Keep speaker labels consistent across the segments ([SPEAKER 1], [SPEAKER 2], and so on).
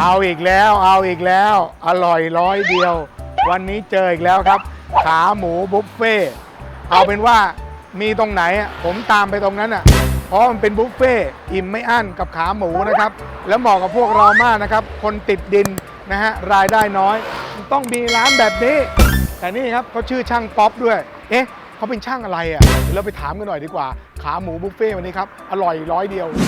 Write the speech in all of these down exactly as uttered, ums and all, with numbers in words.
[SPEAKER 1] เอาอีกแล้วเอาอีกแล้วอร่อยร้อยเดียววันนี้เจออีกแล้วครับขาหมูบุฟเฟ่เอาเป็นว่ามีตรงไหนผมตามไปตรงนั้นอ่ะเพราะมันเป็นบุฟเฟ่อิ่มไม่อั้นกับขาหมูนะครับแล้วเหมาะกับพวกเรามากนะครับคนติดดินนะฮะรายได้น้อยต้องมีร้านแบบนี้แต่นี่ครับเขาชื่อช่างป๊อปด้วยเอ๊ะเขาเป็นช่างอะไรอ่ะเดี๋ยวเราไปถามกันหน่อยดีกว่าขาหมูบุฟเฟ่วันนี้ครับอร่อยร้อยเดียว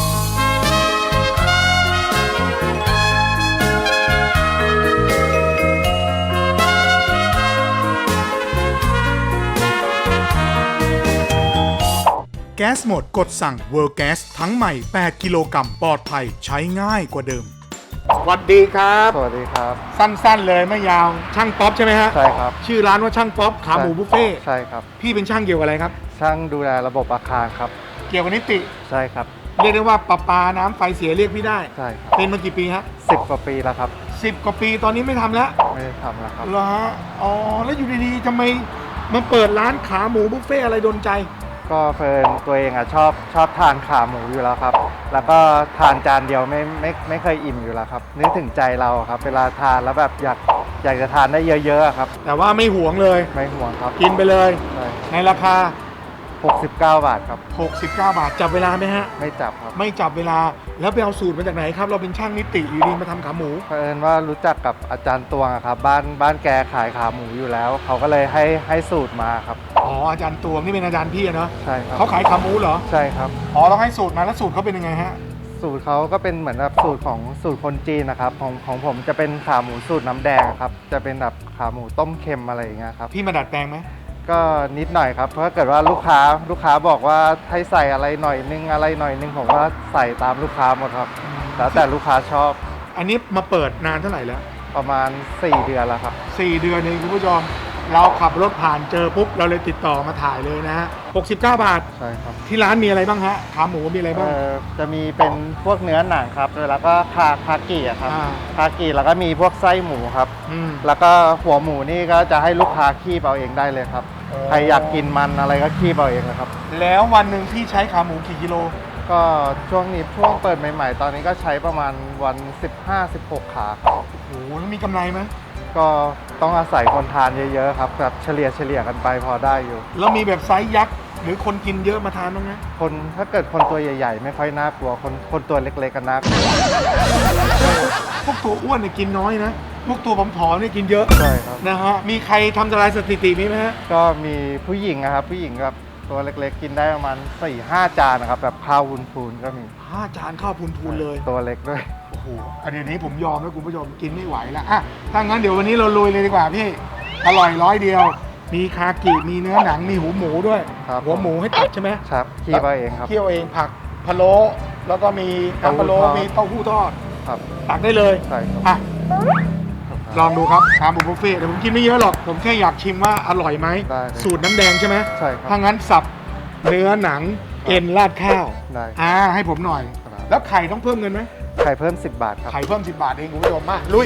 [SPEAKER 1] แก๊สหมดกดสั่ง World Gas ทั้งใหม่แปดกิโลกรัมปลอดภัยใช้ง่ายกว่าเดิมสวัสดีครับ
[SPEAKER 2] สวัสดีครับ
[SPEAKER 1] สั้นๆเลยไม่ยาวช่างป๊อปใช่ไหมฮะ
[SPEAKER 2] ใช่ครับ
[SPEAKER 1] ชื่อร้านว่าช่างป๊อปขาหมูบุฟเฟ่
[SPEAKER 2] ใช่ครับ
[SPEAKER 1] พี่เป็นช่างเกี่ยวกับอะไรครับ
[SPEAKER 2] ช่างดูแลระบบอาคารครับ
[SPEAKER 1] เกี่ยวกับนิติ
[SPEAKER 2] ใช่ครับ
[SPEAKER 1] เรียกได้ว่าประปาน้ำไฟเสียเรียกพี่ได้
[SPEAKER 2] ใช่ครับ
[SPEAKER 1] เป็นมากี่ปีฮะ
[SPEAKER 2] สิบกว่าปีแล้วครับ
[SPEAKER 1] สิบกว่าปีตอนนี้ไม่ทำแล้ว
[SPEAKER 2] ไม่ได้ทำแล้วครับ
[SPEAKER 1] เหรอฮะอ๋อแล้วอยู่ดีๆทำไมมาเปิดร้านขาหมูบุฟเฟ่อะไรโดนใจ
[SPEAKER 2] ก็เพลินตัวเองอ่ะชอบชอบทานขาหมูอยู่แล้วครับแล้วก็ทานจานเดียวไม่ไม่ไม่เคยอิ่มอยู่แล้วครับนึกถึงใจเราครับเวลาทานแล้วแบบอยากอยากจะทานได้เยอะๆครับ
[SPEAKER 1] แต่ว่าไม่หวงเลย
[SPEAKER 2] ไม่ห่วงครับ
[SPEAKER 1] กินไปเลย
[SPEAKER 2] ใช่
[SPEAKER 1] ในราคา
[SPEAKER 2] หกสิบเก้าบาทครับ
[SPEAKER 1] หกสิบเก้าบาทจับเวลาไหมฮะ
[SPEAKER 2] ไม่จับครับ
[SPEAKER 1] ไม่จับเวลาแล้วไปเอาสูตรมาจากไหนครับเราเป็นช่างนิติอยู่ดีมาทำขาหมู
[SPEAKER 2] เพลินว่ารู้จักกับอาจารย์ตวงครับบ้านบ้านแกขายขาหมูอยู่แล้วเขาก็เลยให้ให้สูตรมาครับ
[SPEAKER 1] อ๋ออาจารย์ตวงนี่เป็นอาจารย์พี่เนาะ
[SPEAKER 2] ใช่ครับ
[SPEAKER 1] เขาขายขาหมูเหรอ
[SPEAKER 2] ใช่ครับ
[SPEAKER 1] อ๋อต้องให้สูตรมาแล้วสูตรเขาเป็นยังไงฮะ
[SPEAKER 2] สูตรเขาก็เป็นเหมือนแบบสูตรของสูตรคนจีนนะครับของของผมจะเป็นขาหมูสูตรน้ำแดงครับจะเป็นแบบขาหมูต้มเค็มอะไรอย่างเงี้ยครับ
[SPEAKER 1] พี่มาดัดแปลงไหม
[SPEAKER 2] ก็นิดหน่อยครับเพราะถ้าเกิดว่าลูกค้าลูกค้าบอกว่าให้ใส่อะไรหน่อยนึงอะไรหน่อยนึงผมก็ใส่ตามลูกค้าหมดครับแล้วแต่ลูกค้าชอบ
[SPEAKER 1] อันนี้มาเปิดนานเท่าไหร่แล้ว
[SPEAKER 2] ประมาณสี่เดือนแล้วครับ
[SPEAKER 1] สี่เดือนเองคุณผู้ชมเราขับรถผ่านเจอปุ๊บเราเลยติดต่อมาถ่ายเลยนะฮะหกสิบเก้าบาท
[SPEAKER 2] ใช่ครับ
[SPEAKER 1] ที่ร้านมีอะไรบ้างฮะขาหมูมีอะไรบ้าง
[SPEAKER 2] จะมีเป็นพวกเนื้อหนังครับแล้วก็คาคากิอะครับคากิแล้วก็มีพวกไส้หมูครับแล้วก็หัวหมูนี่ก็จะให้ลูกค้าคีบเอาเองได้เลยครับใครอยากกินมันอะไรก็คีบเอาเองนะครับ
[SPEAKER 1] แล้ววันหนึ่งพี่ใช้ขาหมูกี่กิโล
[SPEAKER 2] ก็ช่วงนี้ช่วงเปิดใหม่ๆตอนนี้ก็ใช้ประมาณวัน สิบห้า สิบหก ขาครับ
[SPEAKER 1] โอ้โหแล้วมีกำไรไหม
[SPEAKER 2] ก็ต้องอาศัยคนทานเยอะๆครับแบบเฉลี่ยเฉลี่ยกันไปพอได้อยู่
[SPEAKER 1] แล้วมีแบบไซส์ยักษ์หรือคนกินเยอะมาทานบ้างไหม
[SPEAKER 2] คนถ้าเกิดคนตัวใหญ่ๆไม่ค่อยน่ากลัวคนคนตัวเล็กๆกันน่ากลัว
[SPEAKER 1] พวกตัวอ้วนเนี่ยกินน้อยนะพวกตัวผอมๆเนี่ยกินเยอะ
[SPEAKER 2] ใช่ครับ
[SPEAKER 1] นะฮะมีใครทำทลายสถิตินี้ไหมฮะ
[SPEAKER 2] ก็มีผู้หญิงนะครับผู้หญิงแบบตัวเล็กๆกินได้ประมาณ สี่ห้า จานนะครับแบบข้าววุ้นพูนก็มี
[SPEAKER 1] ห้าจานข้าวพูนพูนเลย
[SPEAKER 2] ตัวเล็กด้วย
[SPEAKER 1] โอ้โหอันนี้ผมยอมแล้วคุณผู้ชมกินไม่ไหวแล้วอ่ะถ้างั้นเดี๋ยววันนี้เราลุยเลยดีกว่าพี่อร่อยร้อยเดียวมีคากิมีเนื้อหนังมีหูหมูด้วยหัวหมูให้ตัดใช่ไหม
[SPEAKER 2] ครับเคี่ยวเองครับ
[SPEAKER 1] เคี่ยวเองผักพะโล้แล้วก็มีน้ำพะโล้มีเต้าหู้ทอด
[SPEAKER 2] ครับ
[SPEAKER 1] ตักได้เลย
[SPEAKER 2] ใช่ครับ
[SPEAKER 1] อ่ะลองดูครับขาหมูบุฟเฟ่ต์แต่ผมกินไม่เยอะหรอกผมแค่อยากชิมว่าอร่อยไหมสูตรน้ำแดงใช่ไหม
[SPEAKER 2] ใช่ครับ
[SPEAKER 1] ถ้างั้นสับเนื้อหนังเอ็นราดข้าว
[SPEAKER 2] ได้
[SPEAKER 1] อ่าให้ผมหน่อยแล้วไข่ต้องเพิ่มเงินไหม
[SPEAKER 2] ไข่เพิ่มสิบบาทครับ
[SPEAKER 1] ไข่เพิ่มสิบบาทเองคุณผู้ชมมาลุย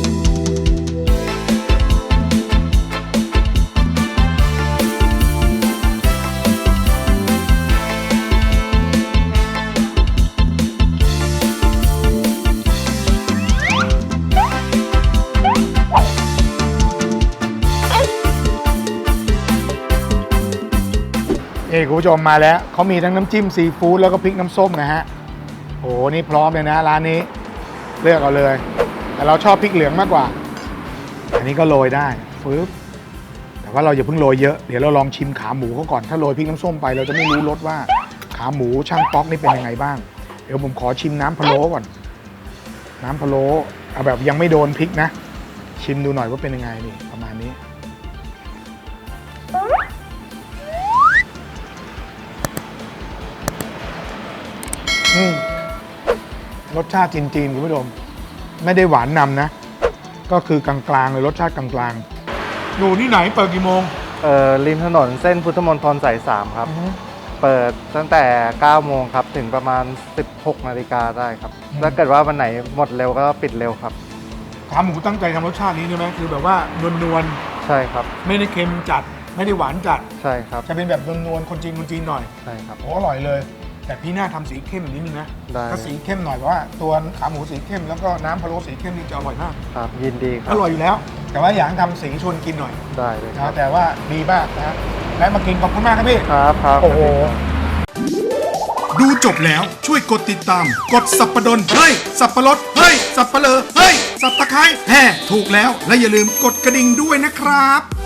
[SPEAKER 1] เอ้คุณผู้ชมมาแล้วเขามีทั้งน้ำจิ้มซีฟู้ดแล้วก็พริกน้ำส้มนะฮะโอ้นี่พร้อมเลยนะร้านนี้เลือกเอาเลยแต่เราชอบพริกเหลืองมากกว่าอันนี้ก็โรยได้ฟื๊บแต่ว่าเราอย่าเพิ่งโรยเยอะเดี๋ยวเราลองชิมขาหมูเขาก่อนถ้าโรยพริกน้ำส้มไปเราจะไม่รู้รสว่าขาหมูช่างป๊อกนี่เป็นยังไงบ้างเดี๋ยวผมขอชิมน้ำพะโล้ก่อนน้ำพะโล้เอาแบบยังไม่โดนพริกนะชิมดูหน่อยว่าเป็นยังไงนี่ประมาณนี้อืมรสชาติจีนๆคุณผู้ชมไม่ได้หวานนำนะก็คือกลางๆเลยรสชาติกลางๆอยู่ที่ไหนเปิดกี่โมง
[SPEAKER 2] เอ่อริมถนนเส้นพุทธมณฑลสายสามครับเปิดตั้งแต่เก้าโมงครับถึงประมาณสิบหกนาฬิกาได้ครับถ้าเกิดว่าวันไหนหมดเร็วก็ปิดเร็วครับ
[SPEAKER 1] ขาหมูตั้งใจทำรสชาตินี้ใช่ไหมคือแบบว่านวล
[SPEAKER 2] ๆใช่ครับ
[SPEAKER 1] ไม่ได้เค็มจัดไม่ได้หวานจัด
[SPEAKER 2] ใช่ครับ
[SPEAKER 1] จะเป็นแบบนวลๆคนจีนคนจีนหน่อย
[SPEAKER 2] ใช่ครับ
[SPEAKER 1] โอ้อร่อยเลยแต่พี่หน้าทำสีเข้มนิดนึงนะ
[SPEAKER 2] ได้
[SPEAKER 1] ถ้าสีเข้มหน่อยเพราะว่าตัวขาหมูสีเข้มแล้วก็น้ำพะโล้สีเข้มนี่จะอร่อยมาก
[SPEAKER 2] ครับยินดีครั
[SPEAKER 1] อบ ร่อยอยู่แล้ว แต่ว่าอยากให้ทำสีชวนกินหน่อย
[SPEAKER 2] ได้เลยครั
[SPEAKER 1] นะ
[SPEAKER 2] บ
[SPEAKER 1] แต่ว่าดีมากนะและมากินขอบคุณมากครับพี่
[SPEAKER 2] ครับครับ
[SPEAKER 1] โอ้โห
[SPEAKER 3] ดูจบแล้วช่วยกดติดตาม กดสับปะดนเฮ้ย สับปะรดเฮ้ย สับปะเลอเฮ้ย สับตะไคร้แห่ถูกแล้ว และอย่าลืมกดกระดิ่งด้วยนะครับ